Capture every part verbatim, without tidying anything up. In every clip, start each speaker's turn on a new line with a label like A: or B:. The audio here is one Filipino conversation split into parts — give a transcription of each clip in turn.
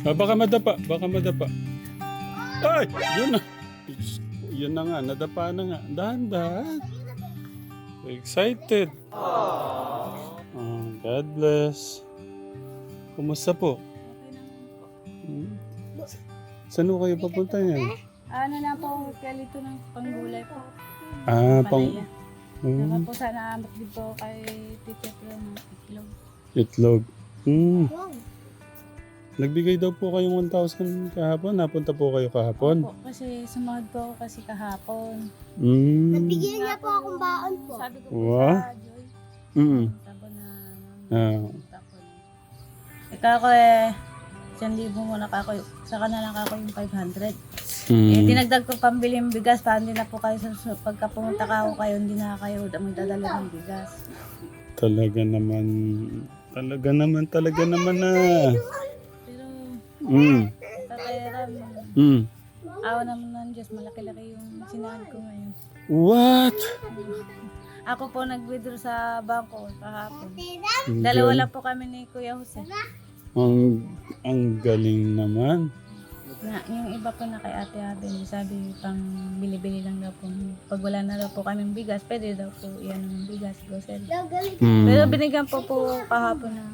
A: Ah, baka madapa, baka madapa. Ay! Yun na. Yun na nga, nadapa na nga. Dahan-dahan. Excited. Oh, God bless. Kumusta po? Hmm? Saan ho kayo papunta niyan?
B: Ano na po, kalito ng panggulay po.
A: Ah, pang...
B: Palaya.
A: Hmm,
B: Saka po sana amot din po kay Tito Pro ng itlog.
A: itlog. Hmm. Nagbigay daw po kayong one thousand kahapon. Napunta po kayo kahapon.
B: Opo, kasi sumahod po ako kasi kahapon.
A: Hmm.
C: Nabigyan niya po akong baon po.
B: Sabi ko po
A: Wow.
B: sa Joy,
A: Mm.
B: tabo na,
A: Ah.
B: tapo na. Ikaw ko eh, isang libo muna ka ako, saka na lang ako yung five hundred. Eh,
A: Mm.
B: dinagdag ko pambili ng bigas, para hindi na po kayo, sa, sa- pagka pumunta ka ako kayo, hindi na kayo magdadala ng bigas.
A: Talaga naman. Talaga naman, talaga naman na.
B: Pero,
A: Mm.
B: kakayaran,
A: Mm.
B: awa naman ng Diyos, malaki-laki yung sinahan ko ngayon.
A: What?
B: Ako po nag-withdraw sa bangko kahapon.
A: Ang
B: Dalawa
A: gal-
B: lang po kami ni Kuya Jose.
A: Ang, ang galing naman.
B: Na, yung iba po na kay Ate Abel, sabi pang bili-bili lang daw po. Pag wala na daw po kaming bigas, pwede daw po iyan ng bigas, grocery.
A: Mm.
B: Pero binigyan po po kahapon ng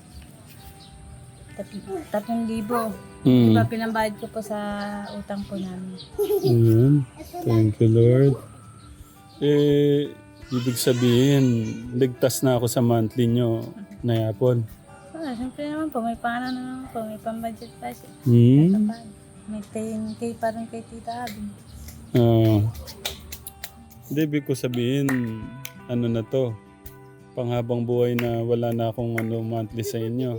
B: tat- tatlong libo.
A: Mm.
B: Diba pinambayad ko po sa utang po namin.
A: Ayan. Thank you, Lord. Eh, ibig sabihin, ligtas na ako sa monthly nyo na yapon.
B: Ah, siyempre naman po, may pangano naman po, may pambudget pa siya.
A: Hmm?
B: May ten K pa rin kay Tita Abel.
A: Ah. Hindi, ibig ko sabihin, ano na to, panghabang buhay na wala na akong ano, monthly sa inyo.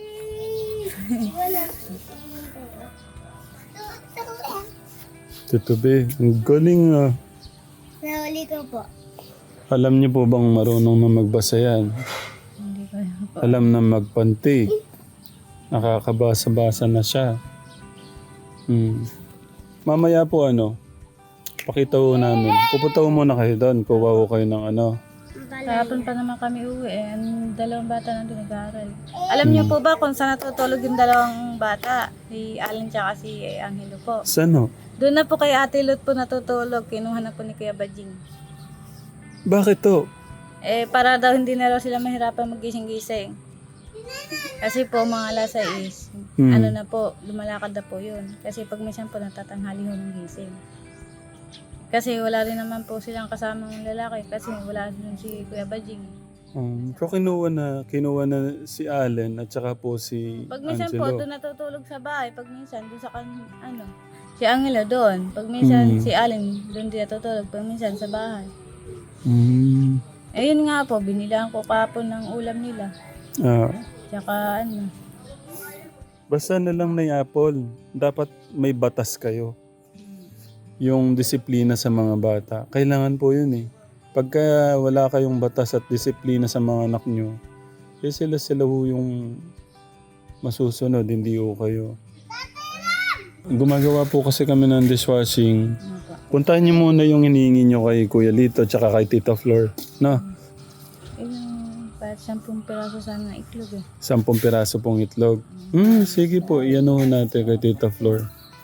A: Tito B, ang galing ah.
C: Nahuli ko po.
A: Alam niyo po bang marunong na magbasa yan?
B: Hindi ko yun po.
A: Alam na magpanti. Nakakabasa-basa na siya. Hmm. Mamaya po ano, pakita ho namin. Pupunta ho muna kayo doon. Kuha ho kayo ng ano.
B: Kahapon pa naman kami uwi eh. Ang dalawang bata nandun nag-aaral. Alam niyo po ba kung saan natutulog yung dalawang bata? Si Allen tsaka si eh, Angelo po.
A: Saan ho?
B: Doon na po kay Ate Lot po natutulog. Kinuha na po ni Kuya Bajing.
A: Bakit to?
B: Eh, para daw hindi na raw sila mahirapan magising-gising. Kasi po mga alas sais,
A: Hmm.
B: ano na po, lumalakad na po yun. Kasi pag minsan po natatanghali ho ng gising. Kasi wala rin naman po silang kasamang lalaki kasi wala din si Kuya Bajing.
A: Um, so kinuha na, kinuha na si Allen at saka po si
B: Pag minsan po,
A: Angelo.
B: doon natutulog sa bahay. Pag minsan, doon sa kan, ano, si Angelo doon. Pag minsan,
A: Hmm.
B: si Allen doon din natutulog. Pag minsan, sa bahay.
A: Hmm.
B: Eh, yun nga po, binilang ko kapon ng ulam nila.
A: Ah.
B: Tsaka, ano,
A: Basta na lang na Apple. Dapat may batas kayo. Yung disiplina sa mga bata. Kailangan po yun eh. Pagka wala kayong batas at disiplina sa mga anak nyo, eh sila sila ho yung masusunod, hindi ho kayo. Gumagawa po kasi kami ng dishwashing.
B: ano po.
A: Puntahan niyo muna yung hinihingi nyo kay Kuya Lito at kay Tita Flor. No?
B: Eh, yung kahit sampung piraso sana ng itlog eh.
A: Sampung piraso pong itlog. Hmm, sige po. Iyan ho natin kay Tita Flor.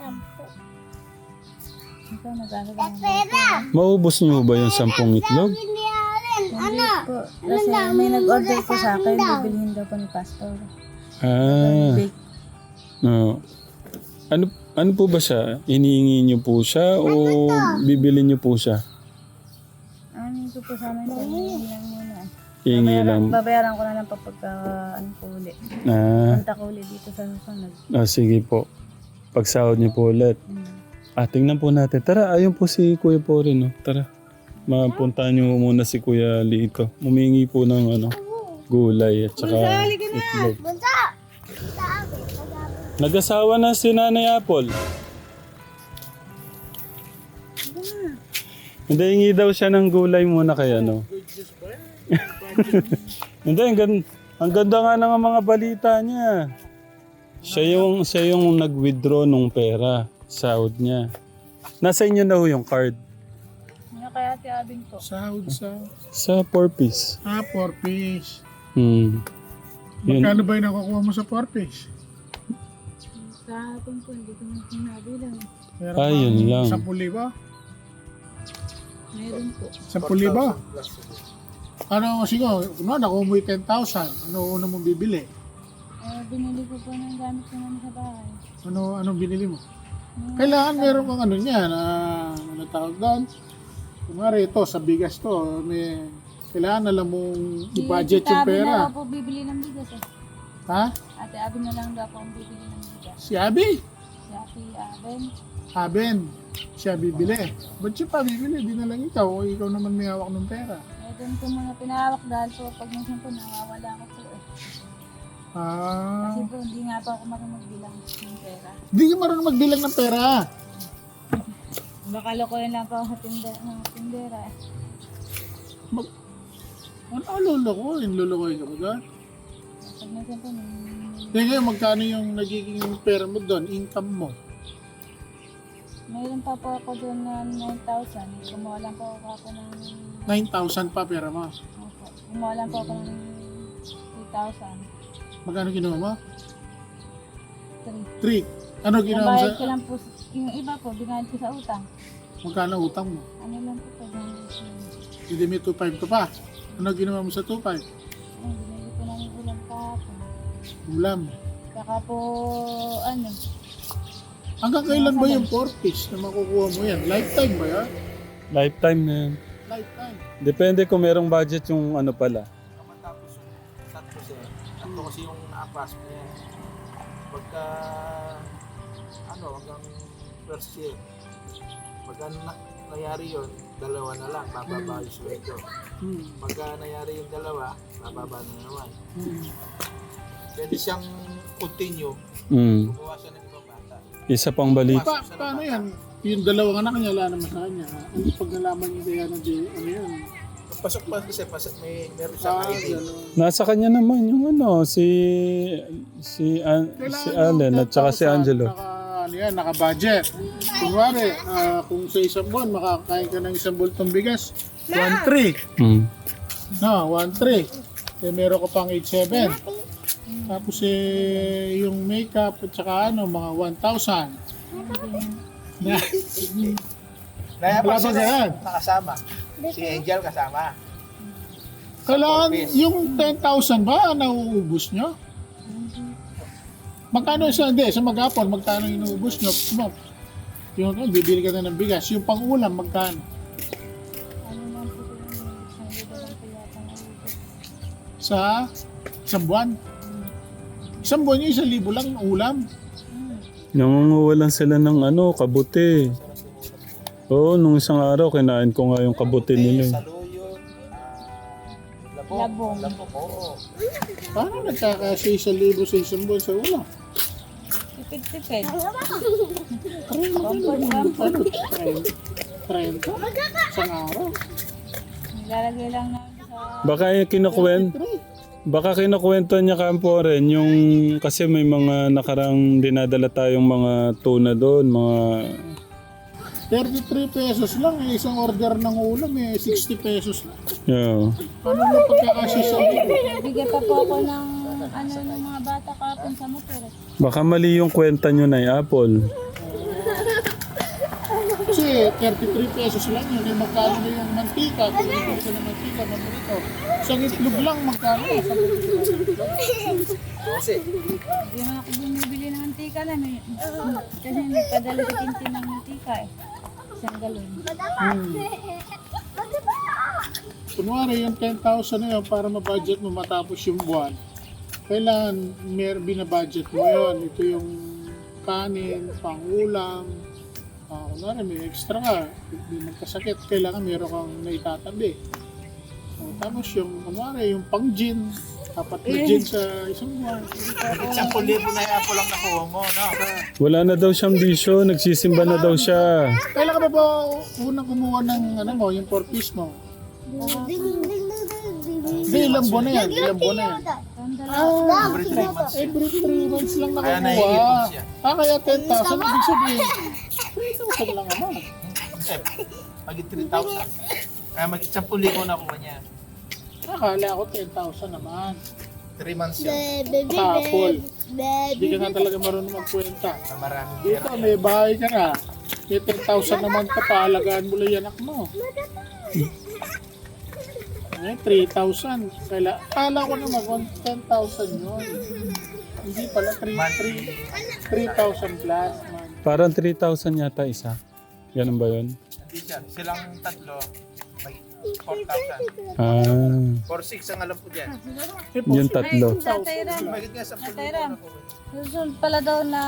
B: Ikaw, nag-aaral ng
A: Maubos niyo ba yung sampung itlog?
C: Hindi alin.
B: Hindi po. Kasi may nag-order po sa akin, bibilihin daw po ni Pastor.
A: Ah.
B: Bake.
A: No. Ano ano po ba siya? Iniingi niyo po siya o bibili niyo po siya?
B: Ano ko po sa amin, sabihin lang muna.
A: Hingi
B: Babayaran,
A: lang.
B: babayaran ko na lang pa pagka ano po ulit.
A: Ah,
B: Punta ko ulit dito sa susunod.
A: ah, sige po. Pagsahod niyo po ulit.
B: Hmm.
A: Ah, tingnan po natin. Tara, ayun po si Kuya po rin. No? Tara. Mapuntahan niyo muna si Kuya Lito. Humingi po ng ano, gulay at saka itlog.
C: Bunta!
A: Nag-asawa na si Nanay Apple. Hindi, hingi daw siya ng gulay muna kay ano. Hindi, ang ganda, ang ganda nga ng mga balita niya. Siya yung, siya yung nag-withdraw nung pera, sahod niya. Nasa inyo na ho yung card.
B: Ano kaya Ate Abing po?
D: Sahod sa...
A: Sa four piece.
D: Ah, four piece.
A: Hmm. Yun.
D: Magkano ba yung nakukuha mo sa four piece?
B: Kahapon po, hindi ko na sinabilang.
D: Meron
A: Ah, yun
D: kang
A: lang.
D: sampu libo?
B: Meron po.
D: Sampu libo? Ano, sige, no, nakuha mo yung ten thousand. Ano una mong bibili?
B: Eh, binili ko po ng gamit ko namin sa bahay.
D: Ano, anong binili mo?
B: Mga-
D: Kailangan meron kang ano niyan, ah, ano tawag doon? Kunwari ito, sa bigas to, may, kailangan alam mong i-budget
B: Si
D: yung
B: Abi na
D: pera.
B: lang po bibili ng bigas eh.
D: Ha?
B: Ate Abi na lang daw po ang bibili ng bigas.
D: Si Abi?
B: Si Ate Aben.
D: Aben. Siya bibili. Ba't siya pa bibili? Di na lang ikaw. O ikaw naman may hawak ng pera.
B: Eh, doon ko muna pinahawak dahil po pag minsan po nawawala ako po eh.
D: Ah.
B: Kasi po hindi nga po ako marunong magbilang ng pera.
D: Di ka marunong magbilang ng pera.
B: Baka lokohin lang po ako sa tindera, ng tindera eh.
D: Mag... Ano ang lulukoyin? Lulukoyin ka ba doon?
B: Pag minsan po, may-
D: Hindi ngayon, magkano yung nagiging pera mo doon? Income mo?
B: mayroon pa po ako doon na nine thousand. Kumuha lang po ako ng...
D: nine thousand pa pera mo.
B: Opo. Kumuha lang po ako ng three thousand.
D: Magkano ginawa mo?
B: three.
D: three. Ano ginawa mo
B: Nabayad ko
D: sa...
B: lang po, yung iba po, binayad ko sa utang.
D: Magkano utang mo?
B: Ano lang po pag
D: Hindi may two five ka pa. Ano ginawa mo sa two five?
B: Ay, binili ko ng ulam kahapon.
D: Ulam.
B: Saka po, ano,
D: Hanggang kailan ba yung four piece na makukuha mo yan? Lifetime ba yan?
A: Lifetime na yan.
D: Lifetime.
A: Depende kung merong budget yung ano pala.
E: Matapos yung tatlo siya. Tatlo kasi yung naapas mo yan. Pagka, ano, hanggang first year. Pagka na, nangyari yun, dalawa na lang, bababa yung sweldo.
D: Hmm.
E: Pagka nangyari yung dalawa, bababa na naman.
D: Hmm.
E: Pwede siyang continue,
A: Mm.
E: gumawa siya ng ibang bata.
A: Isa pang balik.
D: Pa, paano yan? Yung dalawang anak niya, wala naman sa kanya. Ano pag nalaman niya kaya na di, ano yan?
E: Pasok pa kasi, pasok, may, meron siyang
D: Ah,
E: I D.
D: gano'n.
A: Nasa kanya naman yung ano, si si An- si Allen at saka si Angelo.
D: Naka, ano yan, naka-budget. Kunwari, ah, kung sa isang buwan, makakain ka ng isang bultong bigas, one three.
A: Mm.
D: No, one three. Eh, meron ka pang eight seven. Tapos eh, yung makeup at saka ano, mga one thousand. Na,
E: Kaya
D: Wala
E: pa
D: ba
E: sila
D: ganyan?
E: nakasama. Si Angel kasama.
D: kailangan yung ten thousand ba nauubos nyo? Magkano sa hindi, sa maghapon, magkano inuubos nyo? Mo, yung ano, bibili ka na ng bigas. Yung pang-ulam, magkano?
B: ano lang po yung isang libo lang po yata na ubos.
D: Sa isang buwan? Isang buwan yung isang libo lang ang ulam.
A: Nangunguwalan sila ng ano, kabuti. Oo, nung isang araw, kinain ko nga yung kabuti nila. eh.
E: Saluyot, ah, labong.
B: Labong.
E: Labong, oo.
D: Paano nagkakasya isang libo sa isang buwan sa ulam?
B: Tipid-tipid.
D: Ano? trenta? Isang araw?
B: Nilalagay lang namin sa...
A: Baka yung kinukwent, baka kinukwento niya kampo rin yung kasi may mga nakarang dinadala tayong mga tuna doon, mga
D: thirty-three pesos lang eh. Isang order ng ulam eh. sixty pesos lang.
A: yeah.
D: Paano mo pagkakasya sa libo?
B: Bigyan pa po ako ng ano ng mga bata kapon sa motor. eh.
A: Baka mali yung kwenta nyo na Apple.
D: Kasi thirty-three pesos lang yun. Eh, magkano na yung mantika? Kung bibili ka ng mantika, mantika. Isang itlog lang, magkano? Isang
E: Kasi,
B: Hindi naman ako bumibili ng mantika lang. eh. Kasi nagpadala sa tintin ng mantika eh. Isang galon.
D: Hmm. Kunwari yung ten thousand na yun para ma-budget mo matapos yung buwan. Kailangan mer binabudget mo yun. Ito yung kanin, pangulam. Uh, kunwari may extra ka, hindi magkasakit, kailangan meron kang naitatabi. So, tapos yung kunwari yung pang-gin, apat na gin sa isang buwan.
E: isang libo na yung lang nakuha mo, no?
A: Wala na daw siyang bisyo, nagsisimba na daw siya.
D: Kailan ka ba ba unang kumuha ng ano mo, yung four piece mo? Hindi, ilang buwan na yan, ilang buwan na yan. Ah,
E: Every three months.
D: every three months lang
E: Kaya
D: nakukuha.
E: naiipon siya.
D: Ah, kaya ten thousand, ibig sabihin, three thousand lang naman.
E: Eh, mag three thousand. Kaya mag isang libo na kuha niya.
D: Akala ko ten thousand naman.
E: three months yan.
C: Baby,
D: Kapol.
C: baby,
D: Hindi ka nga talaga marunong magkwenta.
E: Na maraming
D: Dito,
E: pera.
D: may bahay ka na. May ten thousand naman ka pa, alagaan mo lang yung anak mo. Eh, three thousand. Kala, kala ko naman, ten thousand yun. Hindi pala, three thousand plus. Man.
A: Parang three thousand yata isa. Ganun ba yun?
E: Hindi siya. Silang tatlo, may four thousand.
A: Ah,
E: four six ang alam ko dyan.
A: yung tatlo.
B: Tatay Ram,
E: Magiging nga sa
B: Tatay Ram, susunod pala daw na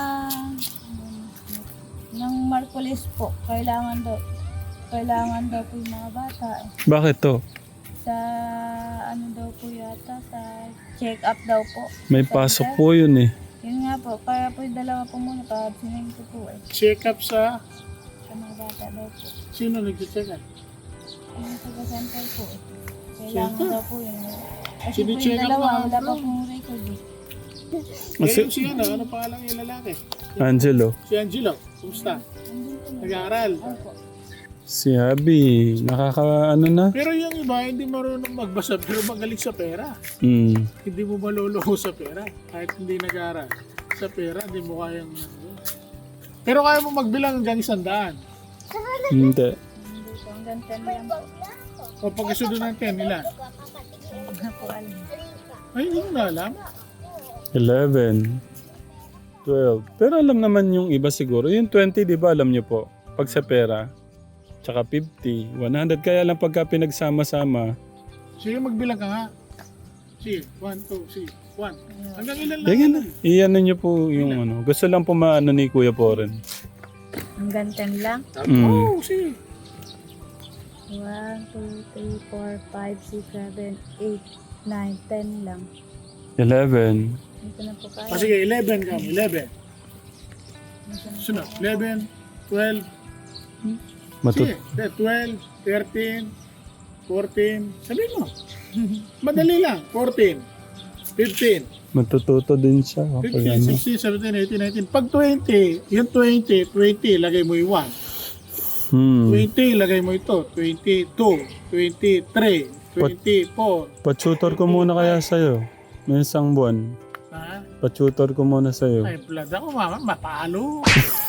B: ng Marcolis po. Kailangan daw, kailangan daw po yung mga bata. eh.
A: Bakit to?
B: Sa ano daw po yata, sa check-up daw po.
A: May
B: Sa
A: pasok
B: center.
A: po yun eh.
B: Yun nga po, kaya po yung dalawa po muna, pa-sinin ko po eh.
D: Check up sa,
B: Sa mga bata daw po.
D: sino nag-check up?
B: Yung taga-center po eh. Kailangan
D: Center?
B: daw po yun. Kasi po
D: Sini-check
B: yung
D: up
B: dalawa,
D: mga
B: wala pa
D: bro.
B: pong record eh.
D: Eh,
A: Si
D: yung si ano, ano pangalan yung lalaki?
A: Angelo.
D: Si Angelo, kumusta?
B: Andun po na.
D: Nag-aaral.
B: Opo.
A: Si Abby. Nakaka ano na?
D: Pero yung iba, hindi marunong magbasa, pero magaling sa pera.
A: Hmm.
D: Hindi mo maluluho sa pera, kahit hindi nag-aaral. Sa pera, hindi mo kayang... ano. Pero kaya mo magbilang hanggang isang daan.
A: Hindi.
B: Hindi po, hanggang ten lang po.
D: O pagkasunod ng ten, nila.
B: Hindi na po alam.
D: Ay, hindi mo na alam.
A: eleven. twelve. Pero alam naman yung iba siguro. Yung twenty, di ba alam nyo po? Pag sa pera. Tsaka fifty. one hundred. Kaya lang pagka pinagsama-sama.
D: Sige, magbilang ka nga. Sige, one, two, sige, one. Hanggang ilan lang?
A: Yan na. Iyan nyo po yung ano. Gusto lang po maano ni Kuya Poren.
B: Hanggang ten lang.
A: Mm.
D: Oo, oh, sige.
B: one, two, three, four, five, six, seven, eight, nine, ten lang.
A: eleven.
B: Dito na po kaya.
D: Ah, sige, eleven ka, eleven.
B: Dito na po.
D: Sunod, eleven, twelve,
A: Matut
D: sige, twelve, thirteen, fourteen, sabihin mo. Madali lang, fourteen, fifteen,
A: matututo din siya. Kapag
D: fifteen,
A: ano.
D: sixteen, seventeen, eighteen, nineteen. Pag twenty, yung twenty, twenty, lagay mo yung one.
A: Hmm.
D: twenty, lagay mo ito. twenty-two, twenty-three, twenty-four.
A: Patutor ko muna kaya sa'yo. May isang buwan.
D: Ha?
A: Patutor ko muna sa'yo.
D: Ay, blood ako, mama, mapalo.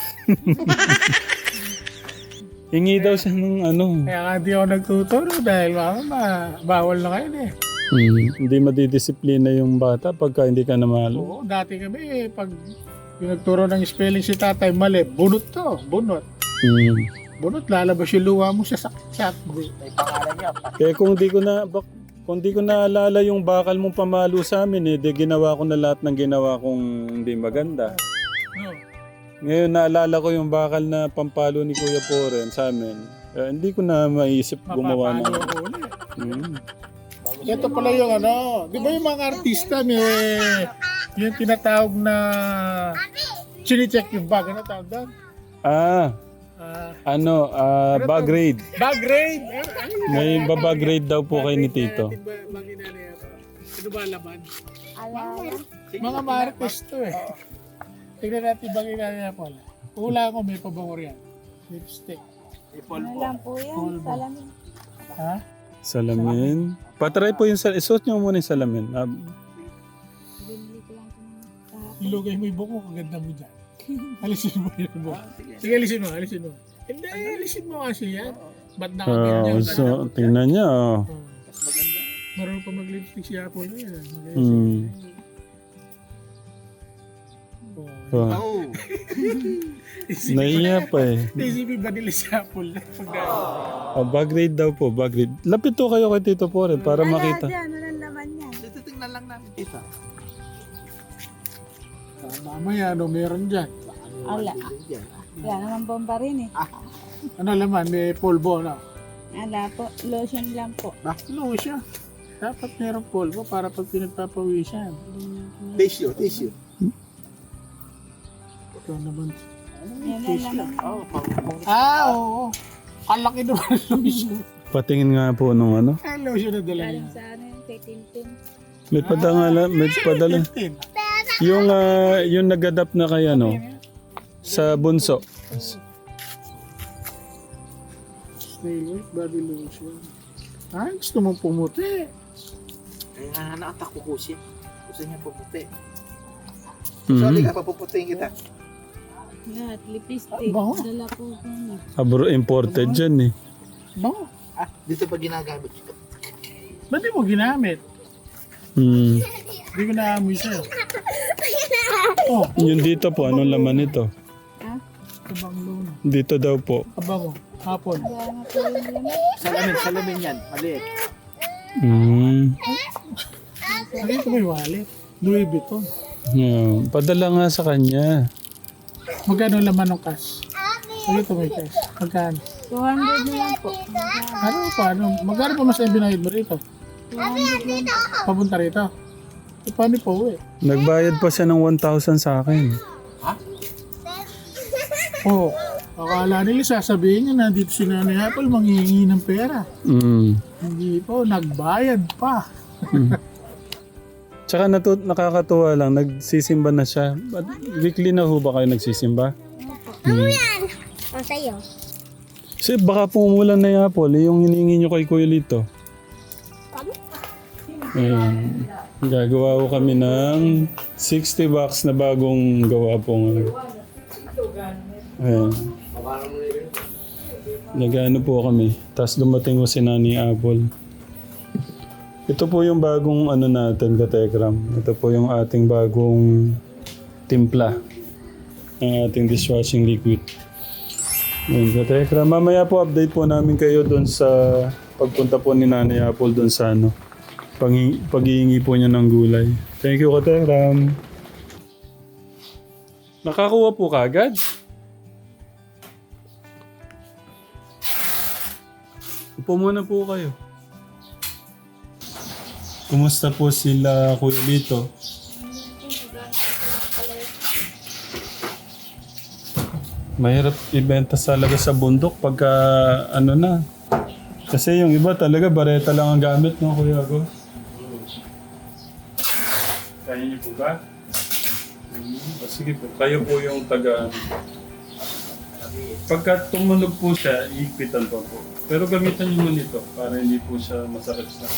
A: Hingi daw siya ng ano.
D: Kaya nga di ako nagtuturo dahil mama, ma- bawal na kayo eh.
A: Hmm. Hindi madidisiplina yung bata pagka hindi ka na mahalo.
D: Oo, dati kami eh, pag yung nagturo ng spelling si tatay, mali, bunot to, bunot.
A: Hmm.
D: Bunot, lalabas yung luha mo sa saksak.
E: May pangalan niya.
A: Kaya kung di ko na bak, kung di ko naalala yung bakal mong pamalo sa amin eh, di ginawa ko na lahat ng ginawa kong hindi maganda.
D: No.
A: Ngayon naalala ko yung bakal na pampalo ni Kuya Poren sa amin. Eh, hindi ko na maisip gumawa
D: Mapapalo
A: ng...
D: ako ulit.
A: Hmm.
D: Ito pala yung ano, di ba yung mga artista may yung tinatawag na chine-check yung bag, ano tawag doon?
A: Ah,
D: Ah,
A: ano, ah, bag raid.
D: bag grade! Eh, ano yun?
A: May babag raid daw po kay ni Tito.
D: Ano ba, mga ginanaya ko? Ano ba laman?
B: Alala.
D: Mga marites to eh. Tignan natin bang ginanaya po. Hula ko may pabango yan. Lipstick.
E: Ipol
B: Ano
E: po.
B: lang po yan, salamin.
D: Ha?
A: Salamin. Patry po yung salamin. Isuot nyo muna yung salamin. Ah,
B: Binili ko lang po ng kahapon.
D: Ilugay mo yung buko, kaganda mo dyan. Alisin mo yung buko. Sige, alisin mo, alisin mo. Hindi, alisin mo kasi yan. Ba't
A: ah,
D: nakaganyan?
A: so, tingnan niya. Oh.
E: Mas maganda.
D: Marunong pa mag-lipstick si Apple na yan.
A: Hmm.
D: Oh.
A: Oh.
E: Oh.
A: Naiya pa eh.
D: Isipin ba nila si Apple na pag
A: Oh, bag raid daw po, bag raid. Lapit to kayo kay Tito Poren para makita.
B: Dyan, walang laman yan.
E: Titingnan lang namin. Kita.
D: Ah, mamaya, ano meron dyan?
B: Ala. Wala naman bomba rin eh.
D: Ano laman, may polvo, no?
B: Ala po, lotion lang po.
D: Baklo siya. Dapat merong polvo para pag pinagpapawisan.
E: Tissue, tissue.
D: Ito naman.
B: Yan lang naman.
E: Oh, pang
D: Ah, oo. Kalaki naman ang lotion.
A: Patingin nga po nung ano.
D: Ang lotion na dala niya.
B: Galing sa ano yung kay Tintin.
A: May padala, may padala.
D: fifteen.
A: Yung ah, yung nag-adapt na kay ano sa bunso.
D: Snail white body lotion. Ah, gusto mong pumuti.
E: Kaya nga nakatak ko ko siya. gusto niya puputi.
A: Mhm.
E: So, halika, papuputiin kita.
B: Lahat, lipstick,
D: Bango.
B: dala po ko.
A: Abro imported dyan eh.
D: Bango.
E: Ah, dito pa ginagamit.
D: Ba't di mo ginamit?
A: Hmm.
D: Hindi ko naamoy sa'yo. Oh,
A: Yung dito po, anong laman nito?
D: kabango na.
A: Dito daw po.
D: Kabango. Hapon.
E: Salamin, salamin yan. Maliit.
A: Hmm.
D: Ano ito may wallet? Louis Vuitton.
A: Yeah. Padala nga sa kanya.
D: Magkano laman ng cash? Ano ito may cash? Magkano?
B: two hundred na lang po.
D: Ano pa? Ano? Magkano pa mas ay binayad mo rito?
B: two hundred lang po.
D: Papunta rito? E, paano po eh?
A: Nagbayad pa siya ng one thousand sa akin.
D: Oo. Oh, akala nila sasabihin niya na dito si Nanay Apple manghihingi ng pera.
A: Hmm.
D: Hindi po, nagbayad pa.
A: Tsaka natut nakakatuwa lang, nagsisimba na siya. But weekly na ho ba kayo nagsisimba?
C: Ano yan? O, sa'yo.
A: Kasi baka pumulan na yung apple, eh, yung hinihingi nyo kay Kuya Lito. Ayan. Gagawa ko kami ng sixty bucks na bagong gawa po ngayon. Ayan. Nag-ano po kami. Tapos dumating ko si Nani Apple. Ito po yung bagong ano natin, Katekram. Ito po yung ating bagong timpla ng ating dishwashing liquid. Ayan, Katekram. Mamaya po update po namin kayo doon sa pagpunta po ni Nani Apple doon sa ano, paghi- paghihingi po niya ng gulay. Thank you, Katekram. Nakakuha po kagad? Upo muna po kayo. Kumusta po sila, Kuya Lito? Mahirap ibenta talaga sa bundok pagka ano na. Kasi yung iba talaga bareta lang ang gamit, no, Kuya Go? Kaya niyo po ba? Hmm, o sige po, kayo po yung taga... Pagka tumunog po siya, iikpitan pa po. Pero gamitan niyo muna ito para hindi po siya masakit sa...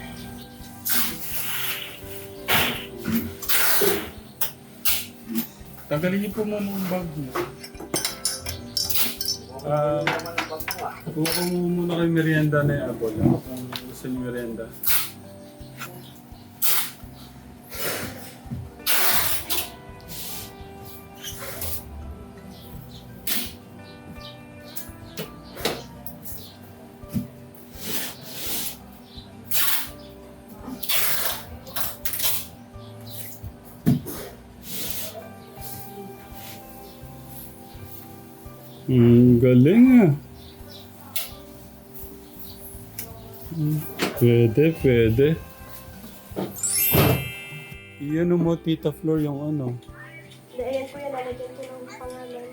A: Tanggalin niyo po muna yung bag niyo. Ah, kuha ko muna kay merienda na yung apple. Kung gusto niyo merienda. Hmm, galing ah. Hmm, pwede, pwede. Iyan mo, Tita Flor, yung ano.
C: Ayan po yan, lalagyan ko ng pangalan.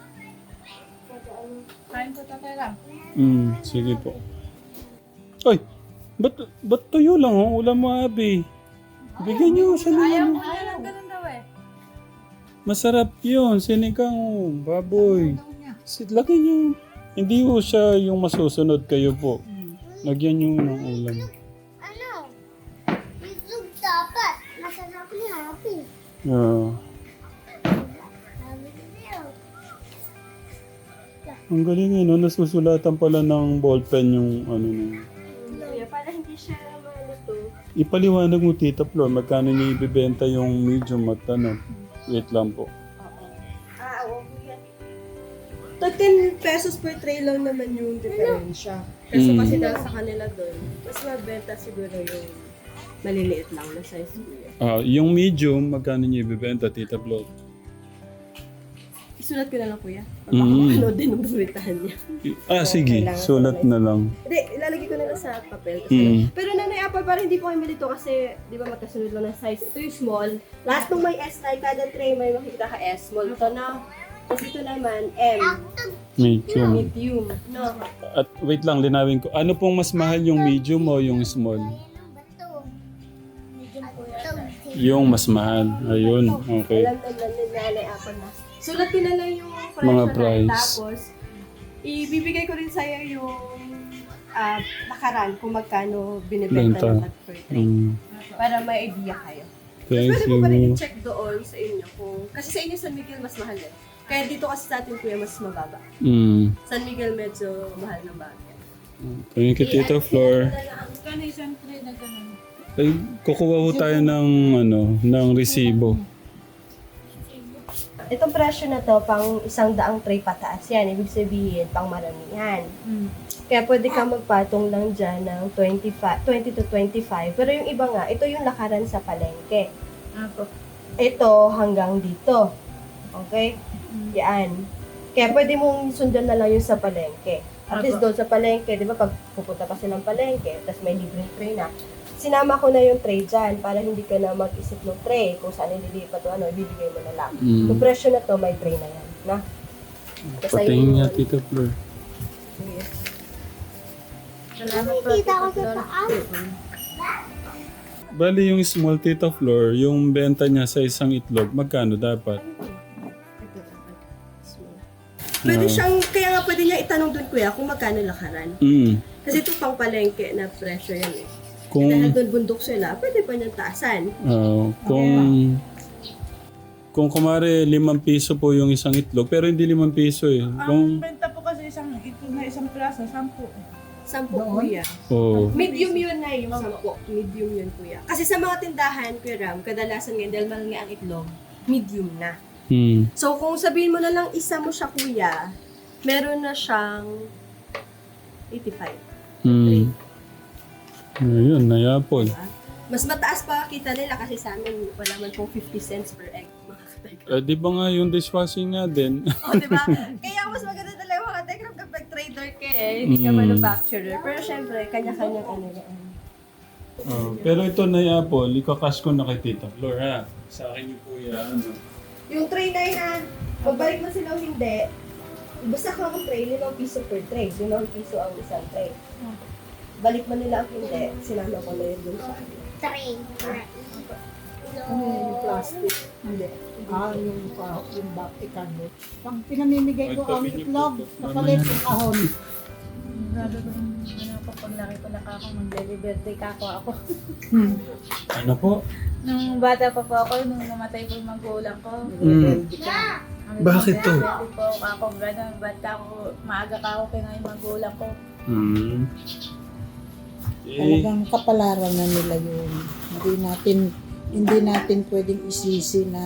B: Kain po tatay lang.
A: Hmm, sige po. Ay, ba't, ba't tuyo lang ang ulam mo, Abi? Bigyan niyo siya ng ano.
B: Ayaw lang ganun daw eh.
A: Masarap yun, sinigang, oh, baboy. Sit, lagyan niyo. Hindi po siya yung masusunod kayo po. Lagyan niyo ng ulam.
C: Ano? Itlog dapat. Masarap ni Happy.
A: Ah.
C: Sabi ko niyo.
A: Ang galing yun, no? Nasusulatan pala ng ballpen yung ano na.
C: Kuya, para hindi siya maluto.
A: Ipaliwanag mo, Tita Flor, magkano niya ibibenta yung medium at ano? Wait lang po.
C: Ah, oo, kuya.
F: Tag ten pesos per tray lang naman yung diferensya. Kasi
A: Mm.
F: kasi dahil sa kanila doon, mas mabenta siguro yung maliliit lang na size kuya.
A: Ah, yung medium, magkano niya ibibenta, Tita Flor?
F: Isulat ko na lang kuya. Baka
A: Mm.
F: ano din ang bumitahan niya.
A: Ah, sige. Sulat na lang.
F: Hindi, ilalagay ko na lang sa papel. Kasi
A: Mm.
F: Pero Nanay Apple, parang hindi po kami malito kasi di ba magkasunod lang ng size. Ito yung small. Last nung may S tayo, kada tray may makikita ka S. Small to na. Tapos ito naman, M.
A: Medium.
F: Medium. No.
A: At wait lang, linawin ko. Ano pong mas mahal yung medium o yung small?
C: Bato. Medyo po yan.
A: Yung mas mahal. Ayun, okay.
F: Alam naman ni Nanay Apple na. Sulat ko na lang yung price
A: Mga
F: na
A: price.
F: tapos ibibigay ko rin sa'yo yung ah, lakaran kung magkano binibenta
A: Benta.
F: ng tag per tray.
A: Mm.
F: Para may idea kayo.
A: Thank
F: Pwede mo pa rin
A: you.
F: i-check doon sa inyo kung... Kasi sa inyo San Miguel mas mahal eh. Kaya dito kasi sa atin kuya mas mababa.
A: Mm.
F: San Miguel medyo mahal ng bagay.
A: Thank you, Tita Flor.
B: Kano isang tray na ganun?
A: Ay, kukuha ho tayo ng, ano, ng resibo.
F: Itong presyo na to, pang isang daang tray pataas yan. Ibig sabihin, pang maramihan.
B: Mm.
F: Kaya pwede ka magpatong lang dyan ng twenty-five, twenty to twenty-five. Pero yung iba nga, ito yung lakaran sa palengke.
B: Apo.
F: Ito hanggang dito. Okay? Yan. Kaya pwede mong sundan na lang yung sa palengke. At
B: Apo.
F: least doon sa palengke, di ba pag pupunta pa silang palengke, tapos may libreng tray na, sinama ko na yung tray dyan para hindi ka na mag-isip ng tray kung saan ililipat o ano, ibibigay mo na lang.
A: Mm.
F: Yung presyo na to, may tray na yan. Na? Tapos
A: Patingin
F: ayun
A: niya,
F: yun.
A: Tita Flor.
F: Sige.
B: Salamat po.
C: Nakikita ko
B: Tita
C: sa
B: Flor.
C: taas.
A: Bali yung small Tita Flor, yung benta niya sa isang itlog, magkano dapat?
F: Pwede
A: Ah.
F: siyang, kaya nga pwede niya itanong doon kuya kung magkano lakaran.
A: Mm.
F: Kasi ito pang palengke na presyo yan eh.
A: Kung,
F: Dahil doon bundok sila, pwede pa niyang taasan.
A: ah, kung, kung kumare limang piso po yung isang itlog, pero hindi limang piso eh.
G: Ang
A: Kung,
G: benta po kasi isang ito na isang plaza, sampu.
F: Sampo kuya.
A: oh,
F: Medium yun na yung sampo. Medium yun kuya. Kasi sa mga tindahan, kuya Ram, kadalasan ngayon, dahil mahal nga ang itlog, medium na.
A: hmm.
F: So kung sabihin mo na lang isa mo siya kuya, meron na siyang eighty-five.
A: Hmm. Ayun, nayapol.
F: Diba? Mas mataas pa kita nila kasi sa amin, wala man pong fifty cents per egg. Mga katekram.
A: Eh, di ba nga yung dishwashing nga din?
F: O, di ba? Kaya mas maganda talaga mga katekram kapag trader ka eh, hindi ka
A: Mm.
F: manufacturer. Pero syempre, kanya-kanya ano yan.
A: Oh, pero ito nayapol, ikakas ko na kay Tita Flor ha. Sa akin yung kuya, ano.
F: Yung tray na yan, magbalik mo sila o hindi, basta ka ang tray, limang piso per tray. Limang piso ang isang tray. Balik mo nila ang hindi, sinama ko na yun dun sa akin.
C: Three.
G: Ano yung plastic? Hindi. Ah, yung, uh, yung back ikano. Pag pinamimigay ko ang itlog, kapalit yung kahon.
B: Grabe ko nung ano po, paglaki ko na ako, mag-birthday ka ako ako.
A: Ano po?
B: Nung bata pa po ako, nung namatay po yung magulang ko.
A: Mm. Bakit to?
B: Birthday po ako, gano'n, ba't ako, maaga ka ako kaya yung magulang ko.
A: Hmm. Eh,
G: Talagang kapalaran na nila yun. Hindi natin, hindi natin pwedeng isisi na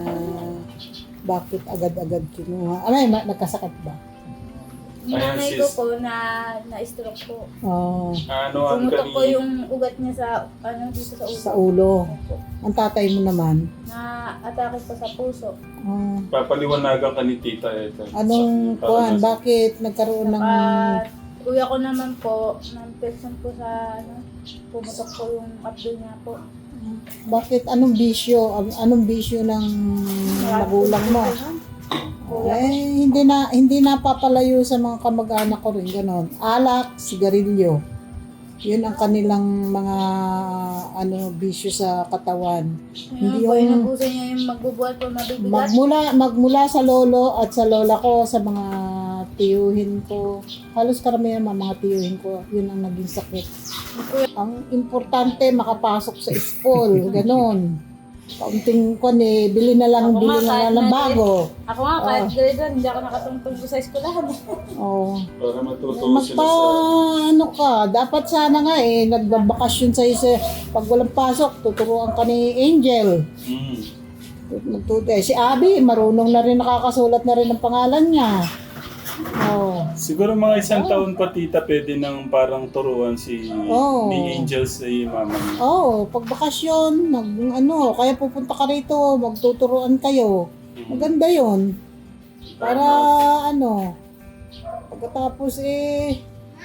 G: bakit agad-agad kinuha. Ay, ma- nagkasakit ba?
B: Yung
A: Ayan,
B: nanay
A: sis.
B: ko po na na-stroke po.
G: Oh,
A: ano ang
B: Pumutok po
A: kanina?
B: yung ugat niya sa, ano, dito sa ulo.
G: sa ulo.
B: Opo.
G: Ang tatay mo naman.
B: Na-atake po sa puso.
G: Oh,
A: Papaliwanagan ka ni Tita ito.
G: anong
A: Sa-
G: kuhan?
A: para sa-
G: Bakit nagkaroon ng...
B: At kuya ko naman po, ng-person po sa, ano, pumutok po yung abdo niya po.
G: Bakit? Anong bisyo? Ang- Anong bisyo ng magulang mo? Eh, hindi na hindi napapalayo sa mga kamag-anak ko rin ganon. Alak, sigarilyo. Yun ang kanilang mga ano bisyo sa katawan. Hindi
B: Hindi po,
G: yung
B: inabuso niya yung magbubuhat po mabibigat.
G: magmula magmula sa lolo at sa lola ko sa mga tiyuhin ko. Halos karamihan mga mga tiyuhin ko, yun ang naging sakit. Ang importante makapasok sa school, ganon. Kaunting kon eh, bili na lang,
B: Ako
G: bili
B: nga,
G: na
B: kahit
G: lang ng
B: na-
G: bago.
B: Ako nga, kahit grade one, hindi ako nakatungtong po sa eskwelahan.
G: Oh.
A: Para matuto
G: Magpa,
A: sila sa...
G: ano ka, dapat sana nga eh, nagbabakasyon sa isa, pag walang pasok, tuturuan ka ni Angel.
A: Mm.
G: Magtuto eh. Si Abby, marunong na rin, nakakasulat na rin ang pangalan niya. Oh.
A: Siguro mga isang taon pa Tita, pwede nang parang turuan si
G: Oo.
A: ni Angel si mama niya.
G: Oh, pag bakasyon, mag, ano, kaya pupunta ka rito, magtuturuan kayo. Maganda yon. Para ano, pagkatapos eh,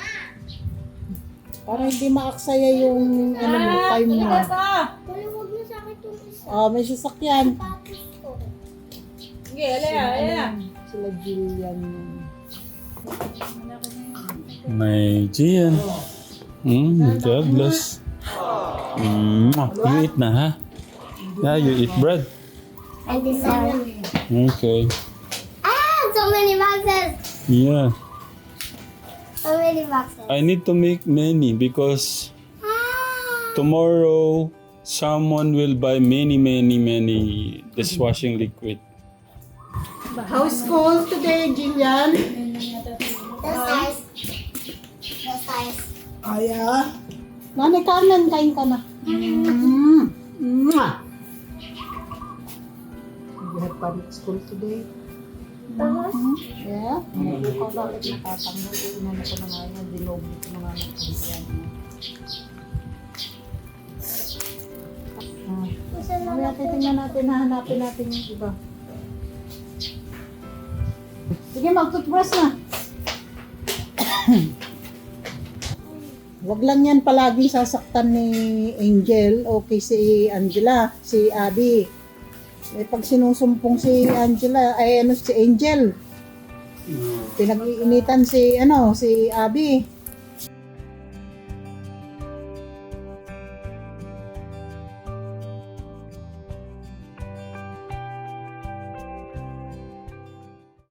G: para hindi maaksaya yung ano mo, time mo.
C: Maluwag na sa akin itong isa.
G: Ah, may sasakyan.
C: Tapos ko.
B: Sige, alaya, alaya.
G: Sila Jillian.
A: May Gian. Mm, God bless. Mm, you eat na ha? Yeah, you eat bread.
C: I deserve.
A: Okay.
C: Ah, so many boxes.
A: Yeah.
C: So many boxes.
A: I need to make many because
C: Ah.
A: tomorrow someone will buy many, many, many dishwashing liquid.
G: How's school today, Jillian?
C: That's nice. That's nice.
G: Ay, ah. Nanay Carmen, kain ka na. Mm. Mwah. You have fun at school today? Mm-hmm. Yeah? Hindi ko bakit nakatanggol. Inano ko na nga yan. Dinoble ko na nga ng kanyan. Ah. Mamaya titingnan natin, hahanapin natin yung iba. Sige, mag-toothbrush na. Wag lang yan palagi sasaktan ni Angel o kay si Angela, si Abby. Eh, pag sinusumpong si Angela, ay ano si Angel, pinag-iinitan si ano, si Abby.